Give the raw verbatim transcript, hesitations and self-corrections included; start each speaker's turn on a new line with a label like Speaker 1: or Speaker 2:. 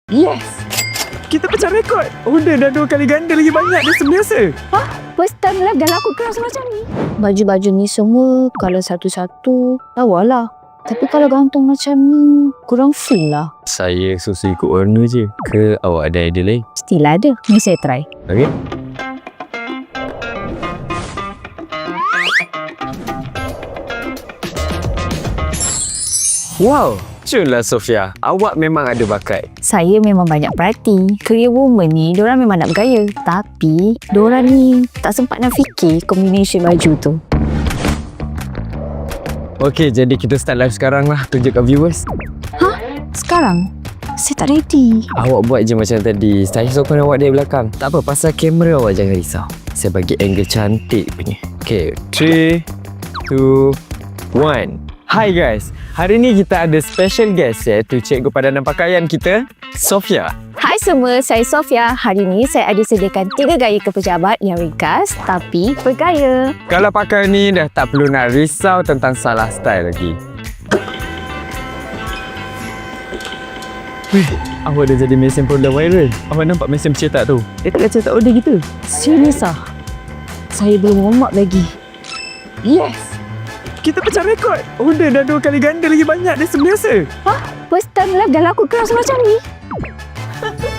Speaker 1: Yes! Kita pecah rekod. Order dah dua kali ganda lagi banyak dari sebiasa.
Speaker 2: Hah? First time lah dah laku keras macam ni. Baju-baju ni semua kalau satu-satu lawalah. Tapi kalau gantung macam ni kurang full lah.
Speaker 3: Saya susu ikut warna je. Ke awak ada idea lain?
Speaker 2: Still ada. Ni saya try.
Speaker 3: Okey. Wow, cunlah Sofia. Awak memang ada bakat.
Speaker 2: Saya memang banyak perhati. Career woman ni, diorang memang nak bergaya. Tapi, diorang ni tak sempat nak fikir combination baju tu.
Speaker 3: Okey, jadi kita start live sekarang lah. Tunjuk kat viewers.
Speaker 2: Hah? Sekarang? Saya tak ready.
Speaker 3: Awak buat je macam tadi. Saya sokong awak dari belakang. Tak apa, pasal kamera awak jangan risau. Saya bagi angle cantik punya. Okey, three, two, one. Hi guys, hari ni kita ada special guest iaitu Cikgu Padanan Pakaian kita, Sofia.
Speaker 2: Hai semua, saya Sofia. Hari ni saya ada sediakan tiga gaya ke pejabat yang ringkas tapi bergaya.
Speaker 3: Kalau pakai ni dah tak perlu nak risau tentang salah style lagi. Weh, awak dah jadi mesin produk viral. Awak nampak mesin pencetak tu? Dia tak cetak order kita.
Speaker 2: Serius ah? Saya belum warm up lagi.
Speaker 1: Yes! Kita pecah rekod. Order dah dua kali ganda lagi banyak dari sebiasa.
Speaker 2: Hah? First time lah dah laku keras macam ni.